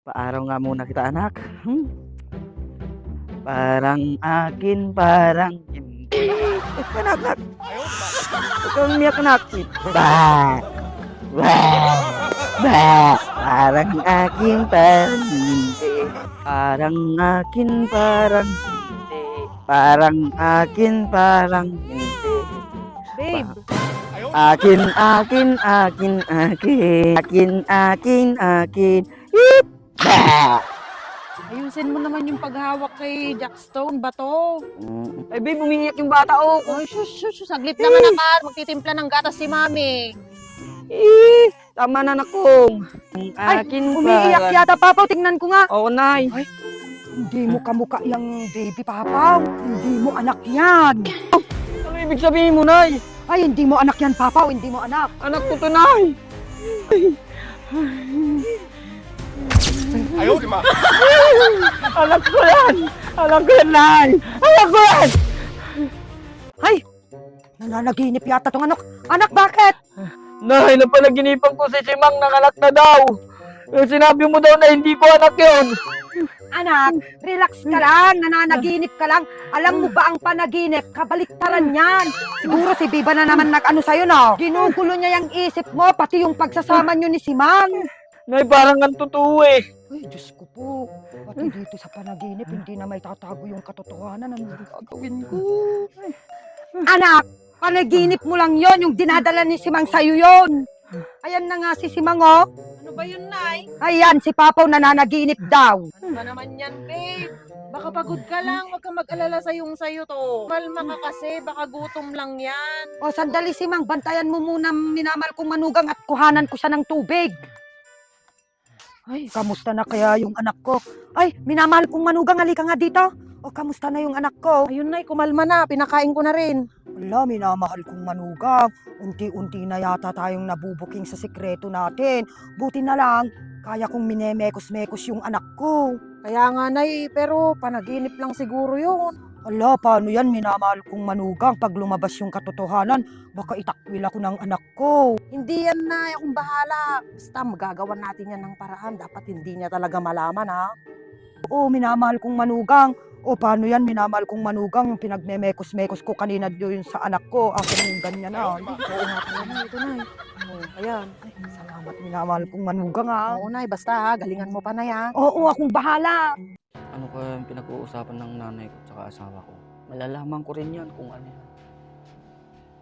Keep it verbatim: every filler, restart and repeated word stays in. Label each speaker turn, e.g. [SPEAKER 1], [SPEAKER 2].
[SPEAKER 1] Paaraw nga muna kita anak, hmm. Parang akin, parang hindi. Anak, anak. Huwag kang umiyak anak. Ba! Ba! Ba! Parang akin, parang hindi. Parang akin, parang hindi. Parang akin, parang hindi.
[SPEAKER 2] Babe,
[SPEAKER 1] Akin, akin, akin, akin. Akin, akin, akin. Hip! Ba!
[SPEAKER 2] ayusin mo naman yung paghawak kay Jackstone, bato.
[SPEAKER 1] Mm. Ay, babe, umiiyak yung bata, oh.
[SPEAKER 2] Ay, shush, shush, saglit lang anak. Magtitimpla ng gatas si mami.
[SPEAKER 1] Eh, tama na nakong.
[SPEAKER 3] Ay,
[SPEAKER 1] Akin
[SPEAKER 3] umiiyak
[SPEAKER 1] parang-
[SPEAKER 3] yata, Papaw. Tingnan ko nga.
[SPEAKER 1] Oo, nay.
[SPEAKER 3] Hindi mo kamukha yung baby, Papaw. Hindi mo anak yan.
[SPEAKER 1] Ano ibig sabihin mo, nay?
[SPEAKER 3] Ay, hindi mo anak yan, Papaw. Hindi mo anak.
[SPEAKER 1] Anak ko to, nay.
[SPEAKER 4] Ayaw, di ma.
[SPEAKER 1] Anak ko yan. Anak ko yan, nay. Anak ko yan.
[SPEAKER 3] Ay, nananaginip yata tong anak. Anak, bakit?
[SPEAKER 1] Nay, napanaginipan ko si Simang ng anak na daw. Eh, Sinabi mo daw na hindi ko anak yun.
[SPEAKER 3] Anak, relax ka lang. Nananaginip ka lang. Alam mo ba ang panaginip? Kabaliktaran yan. Siguro si Biba na naman nag-ano sa'yo, no? Ginugulo niya yung isip mo, pati yung pagsasama niyo ni Simang.
[SPEAKER 1] Nay, parang ang totoo eh.
[SPEAKER 3] Ay, Diyos ko po. Pati dito sa panaginip, hindi na may tatago yung katotohanan. Ano gagawin ko? Anak, panaginip mo lang yon, yung dinadala ni Simang sa'yo yon. Ayan na nga si Simang, oh.
[SPEAKER 2] Ano ba yun, Nay?
[SPEAKER 3] Ayan, si Papaw nananaginip daw.
[SPEAKER 2] Ano ba naman yan, babe? Baka pagod ka lang. Huwag kang mag-alala sayong sayo to. Malma ka kasi. Baka gutom lang yan.
[SPEAKER 3] O, sandali, Simang. Bantayan mo muna minamal kong manugang at kuhanan ko siya ng tubig. Ay, kamusta na kaya yung anak ko? Ay, minamahal kong manugang, halika nga dito. O, kamusta na yung anak ko?
[SPEAKER 2] Ayun, Nay. Kumalma na. Pinakain ko na rin.
[SPEAKER 3] Wala, minamahal kong manugang. Unti-unti na yata tayong nabubuking sa sikreto natin. Buti na lang, kaya kong minemekos-mekos yung anak ko.
[SPEAKER 2] Kaya nga, Nay. Pero panaginip lang siguro yun.
[SPEAKER 3] Ala, paano yan? Minamahal kong manugang. Pag lumabas yung katotohanan, baka itakwil ako ng anak ko.
[SPEAKER 2] Hindi yan, Nay. Akong bahala. Basta magagawan natin yan ng paraan. Dapat hindi niya talaga malaman, ha?
[SPEAKER 3] Oo, minamahal kong manugang. O, paano yan? Minamahal kong manugang. Yung pinagmemekos-mekos ko kanina yun sa anak ko. Akin yung ganyan na.
[SPEAKER 2] Oo nga pala, Nay. Ito, Nay. Oh, ayan.
[SPEAKER 3] Ay, salamat, minamahal kong manugang, ha.
[SPEAKER 2] Oo, Nay. Basta, ha? Galingan mo pa, Nay, ha?
[SPEAKER 3] Oo, akong bahala.
[SPEAKER 1] Ano kaya yung pinag-uusapan ng nanay ko at asawa ko? Malalaman ko rin yan kung ano yan.